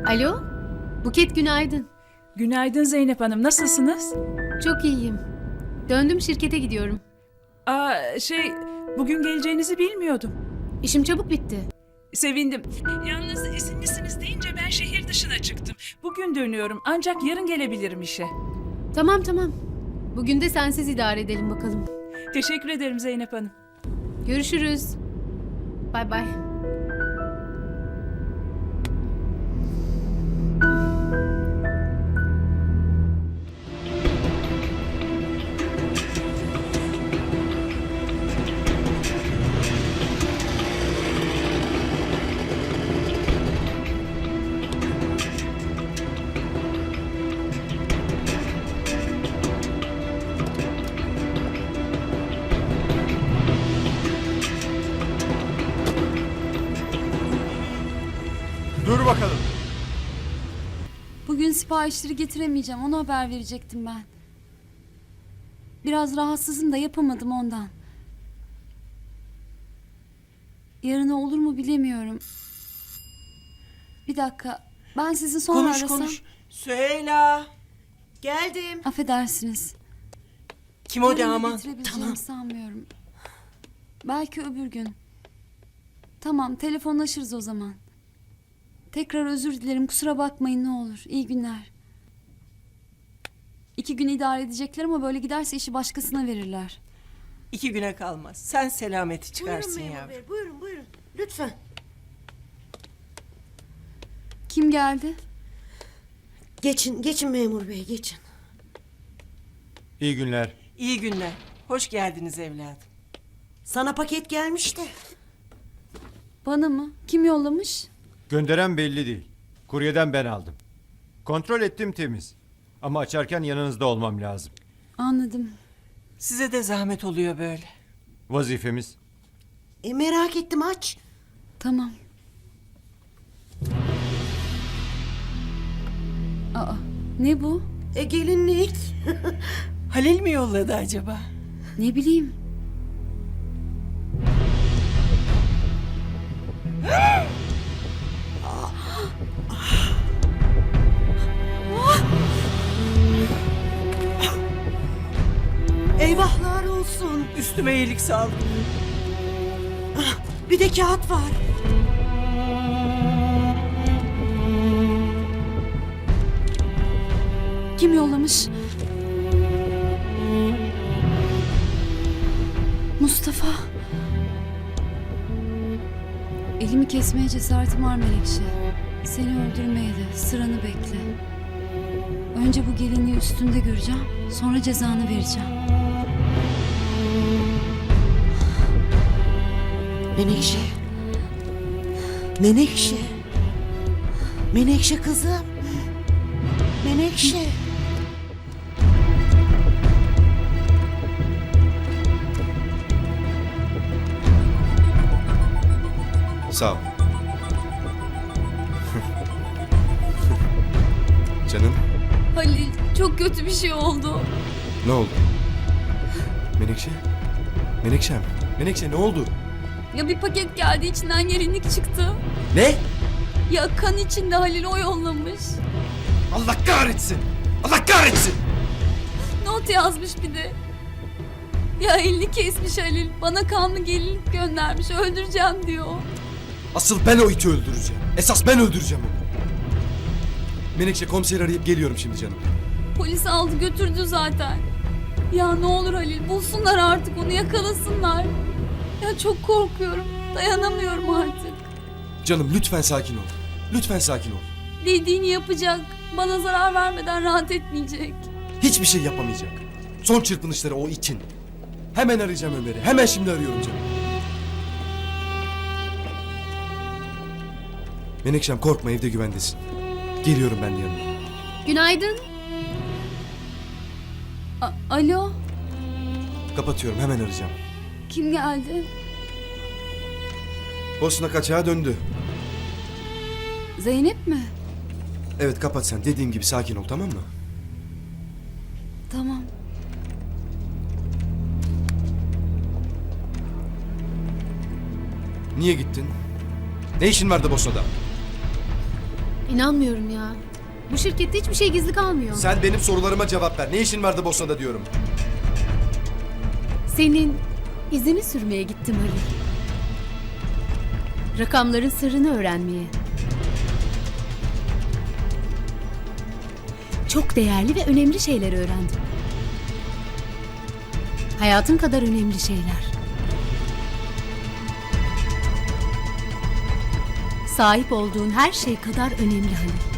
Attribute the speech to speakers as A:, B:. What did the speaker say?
A: Alo? Buket günaydın.
B: Günaydın Zeynep Hanım, nasılsınız?
A: Çok iyiyim. Döndüm şirkete gidiyorum.
B: Bugün geleceğinizi bilmiyordum.
A: İşim çabuk bitti.
B: Sevindim. Yalnız izinlisiniz deyince ben şehir dışına çıktım. Bugün dönüyorum ancak yarın gelebilirim işe.
A: Tamam. Bugün de sensiz idare edelim bakalım.
B: Teşekkür ederim Zeynep Hanım.
A: Görüşürüz. Bay bay.
C: Dur bakalım.
D: Bugün siparişleri getiremeyeceğim. Ona haber verecektim ben. Biraz rahatsızım da yapamadım ondan. Yarına olur mu bilemiyorum. Bir dakika. Ben sizi sonra arasam.
E: Konuş. Süheyla. Geldim.
D: Affedersiniz.
E: Kim o
D: Yarına
E: damat?
D: getirebileceğimi
E: Tamam.
D: sanmıyorum. Belki öbür gün. Tamam, telefonlaşırız o zaman. Tekrar özür dilerim. Kusura bakmayın ne olur. İyi günler. 2 gün idare edecekler ama böyle giderse işi başkasına verirler.
E: 2 güne kalmaz. Sen selameti çıkarsın
F: Buyurun memur
E: yavrum.
F: bey, buyurun. Lütfen.
D: Kim geldi?
F: Geçin memur bey, geçin.
C: İyi günler.
E: İyi günler. Hoş geldiniz evladım.
F: Sana paket gelmiş de.
D: Bana mı? Kim yollamış?
C: Gönderen belli değil. Kuryeden ben aldım. Kontrol ettim temiz. Ama açarken yanınızda olmam lazım.
D: Anladım.
E: Size de zahmet oluyor böyle.
C: Vazifemiz.
F: Merak ettim, aç.
D: Tamam. Aa, ne bu?
F: Gelinlik.
E: Halil mi yolladı acaba?
D: Ne bileyim.
F: Eyvahlar olsun.
E: Üstüme iyilik sağlık.
F: Bir de kağıt var.
D: Kim yollamış? Mustafa. Elimi kesmeye cesaretim var Melekşe. Seni öldürmeye de sıranı bekle. Önce bu gelinliği üstünde göreceğim. Sonra cezanı vereceğim.
F: Menekşe. Menekşe. Menekşe kızım. Menekşe.
G: Sağ ol. Canım,
D: Halil, çok kötü bir şey oldu.
G: ne oldu? Menekşe? Menekşem, Menekşe ne oldu?
D: Ya bir paket geldi, içinden gelinlik çıktı.
G: Ne?
D: Ya kan içinde, Halil o yollamış.
G: Allah kahretsin! Allah kahretsin!
D: Not yazmış bir de. Ya elini kesmiş Halil. Bana kanlı gelinlik göndermiş. Öldüreceğim diyor.
G: Asıl ben o iti öldüreceğim. Esas ben öldüreceğim onu. Menekşe, komiseri arayıp geliyorum şimdi canım.
D: Polis aldı götürdü zaten. Ya ne olur Halil, bulsunlar artık onu, yakalasınlar. Ya çok korkuyorum. Dayanamıyorum artık.
G: Canım lütfen sakin ol. Lütfen sakin ol.
D: Dediğini yapacak. Bana zarar vermeden rahat etmeyecek.
G: Hiçbir şey yapamayacak. Son çırpınışları o itin. Hemen arayacağım Ömer'i. Hemen şimdi arıyorum canım. Menekşem korkma, evde güvendesin. Geliyorum ben de yanına.
A: Günaydın.
D: Alo,
G: Kapatıyorum, hemen arayacağım.
D: kim geldi?
G: Bosna kaçağa döndü.
D: Zeynep mi?
G: Evet, kapat sen. Dediğim gibi sakin ol, tamam mı?
D: Tamam.
G: Niye gittin? Ne işin vardı Bosna'da?
A: İnanmıyorum ya. Bu şirkette hiçbir şey gizli kalmıyor.
G: Sen benim sorularıma cevap ver. Ne işin vardı Bosna'da diyorum.
A: Senin izini sürmeye gittim Halil. Rakamların sırrını öğrenmeye. Çok değerli ve önemli şeyler öğrendim. Hayatın kadar önemli şeyler. Sahip olduğun her şey kadar önemli Halil.